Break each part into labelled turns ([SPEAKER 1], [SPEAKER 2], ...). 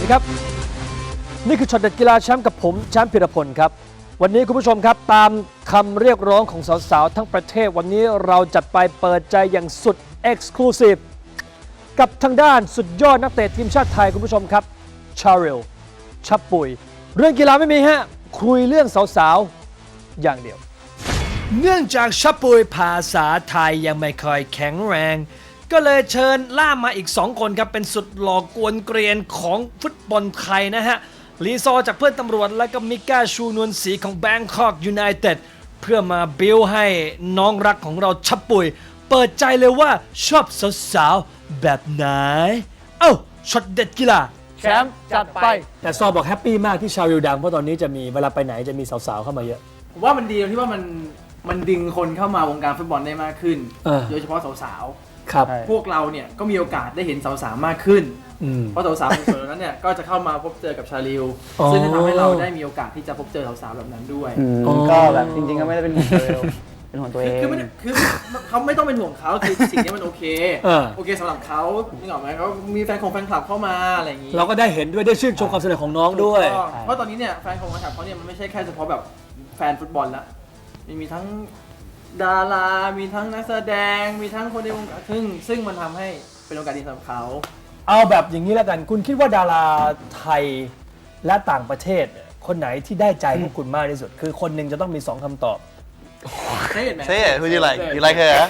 [SPEAKER 1] ครับนี่คือช็อตเด็ดกีฬาแชมป์กับผมแชมป์พิรพลครับวันนี้คุณผู้ชมครับตามคำเรียกร้องของสาวๆทั้งประเทศวันนี้เราจัดไปเปิดใจอย่างสุด Exclusive กับทางด้านสุดยอดนักเตะทีมชาติไทยคุณผู้ชมครับชาริลชับปุยเรื่องกีฬาไม่มีฮะคุยเรื่องสาวๆอย่างเดียวเนื่องจากชับปุยภาษาไทยยังไม่ค่อยแข็งแรงก็เลยเชิญล่ามมาอีก2คนครับเป็นสุดหล่อกวนเกรียนของฟุตบอลไทยนะฮะลีซอจากเพื่อนตำรวจและก็มิก้าชูนวลศรีของ Bangkok United เพื่อมาบิวให้น้องรักของเราชับปุยเปิดใจเลยว่าชอบสาวๆแบบไหนเอ้าช็อตเด็ดกีฬา
[SPEAKER 2] แชมป์จัดไป
[SPEAKER 1] แต่ซอบอกแฮปปี้มากที่ชาริลดังเพราะตอนนี้จะมีเวลาไปไหนจะมีสาวๆเข้ามาเยอะ
[SPEAKER 2] ผมว่ามันดีตรงที่ว่ามันดึงคนเข้ามาวงการฟุตบอลได้มากขึ้นโดยเฉพาะสาวๆ
[SPEAKER 1] ครับ
[SPEAKER 2] พวกเราเนี่ยก็มีโอกาสได้เห็นสาวๆมากขึ้นเพราะสาวๆในส่วนนั้นเนี่ยก็จะเข้ามาพบเจอกับชาลิลซึ่งจะทำให้เราได้มีโอกาสที่จะพบเจอสาวๆแบบนั้นด้วย
[SPEAKER 3] ก็แบบจริงๆก็ไม่ได้เป็นห่วงตัวเองเป็นห่วงตัวเอง
[SPEAKER 2] คือเขาไม่ต้องเป็นห่วงเขาคือสิ่งนี้มันโอเคโอเคสำหรับเขานึกออกไหมเขามีแฟนคลับเข้ามาอะไรอย่างนี้
[SPEAKER 1] เราก็ได้เห็นด้วยได้ชื่นชมความสำเร็จของน้องด้วย
[SPEAKER 2] เพราะตอนนี้เนี่ยแฟนคลับเขาเนี่ยมันไม่ใช่แค่เฉพาะแบบแฟนฟุตบอลละมีทั้งดารามีทั้งนักแสดงมีทั้งคนในวงการซึ่งมันทำให้เป็นโอกาสดีสำหรับเขา
[SPEAKER 1] เอาแบบอย่างนี้แล้วกันคุณคิดว่าดาราไทยและต่างประเทศคนไหนที่ได้ใจพวกคุณมากที่สุดคือคนหนึ่งจะต้องมี2คำตอบ
[SPEAKER 2] Say it man
[SPEAKER 4] Say it who do you like you like her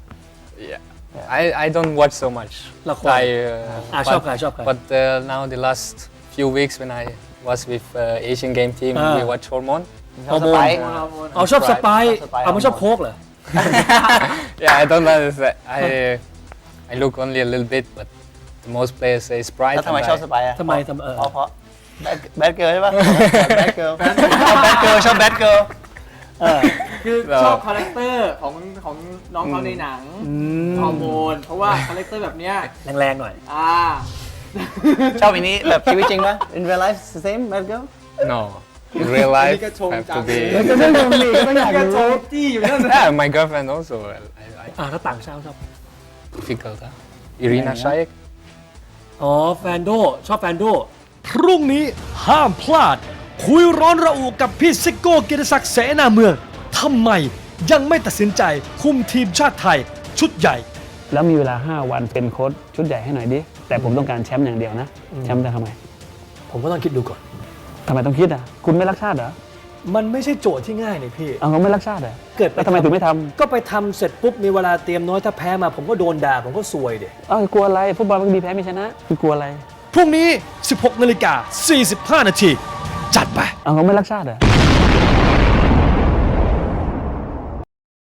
[SPEAKER 5] Yeah I don't watch so much
[SPEAKER 1] ละครชอบใคร
[SPEAKER 5] but now the last few weeks when I was with Asian game team we watch Hormone
[SPEAKER 1] ฮอร์โมนชอบสไปซ์ไม่ชอบโค้กเหรอ
[SPEAKER 5] Yeah I don't understand I look only a little bit but the most players say Sprite
[SPEAKER 4] แล้วทำไมชอบสไปซ์อ่ะ
[SPEAKER 1] ทำไม
[SPEAKER 4] เพราะแบดเกิร์ลใช่ปะแบดเกิร์ลชอบแบดเกิร์ล
[SPEAKER 2] คือชอบคาแรคเตอร์ของน้องเขาในหนังฮอร์โมนเพราะว่าคาแรคเตอร์แบบเนี้ย
[SPEAKER 1] แรงๆหน่อย
[SPEAKER 4] ชอบอันนี้แบบชีวิตจริงปะ In real life the same bad girl
[SPEAKER 5] No in real life have to be
[SPEAKER 1] ก็ต้องมีก็ต้องอยากรู้
[SPEAKER 2] จี้อยู่นั่น
[SPEAKER 5] Yeah my girlfriend also
[SPEAKER 1] ถ้าต่างชาติชอบ
[SPEAKER 5] difficult Irina Shayk
[SPEAKER 1] แฟนโดชอบแฟนโดพรุ่งนี้ห้ามพลาดคุยร้อนระอุกับพี่ซิโก้กิติศักดิ์เสนาเมืองทำไมยังไม่ตัดสินใจคุมทีมชาติไทยชุดใหญ่
[SPEAKER 3] แล้วมีเวลา5วันเป็นโค้ชชุดใหญ่ให้หน่อยดิแต่ผมต้องการแชมป์อย่างเดียวนะแชมป์จะทำไม
[SPEAKER 1] ผมก็ต้องคิดดูก่อน
[SPEAKER 3] ทำไมต้องคิดอ่ะคุณไม่รักชาติเหรอ
[SPEAKER 1] มันไม่ใช่โจทย์ที่ง่ายนี่พี่
[SPEAKER 3] เขาไม่รักชาติเหรอ
[SPEAKER 1] เกิด
[SPEAKER 3] แล้วทำไมถึงไม่ทำ
[SPEAKER 1] ก็ไปทำเสร็จปุ๊บมีเวลาเตรียมน้อยถ้าแพ้มาผมก็โดนด่าผมก็ซวยดิ
[SPEAKER 3] กลัวอะไรฟุตบอลมันมีแพ้มีชนะคือกลัวอะไร
[SPEAKER 1] พรุ่งนี้ 16:45 น.จัดไป
[SPEAKER 3] เขาไม่รักชาติเหรอ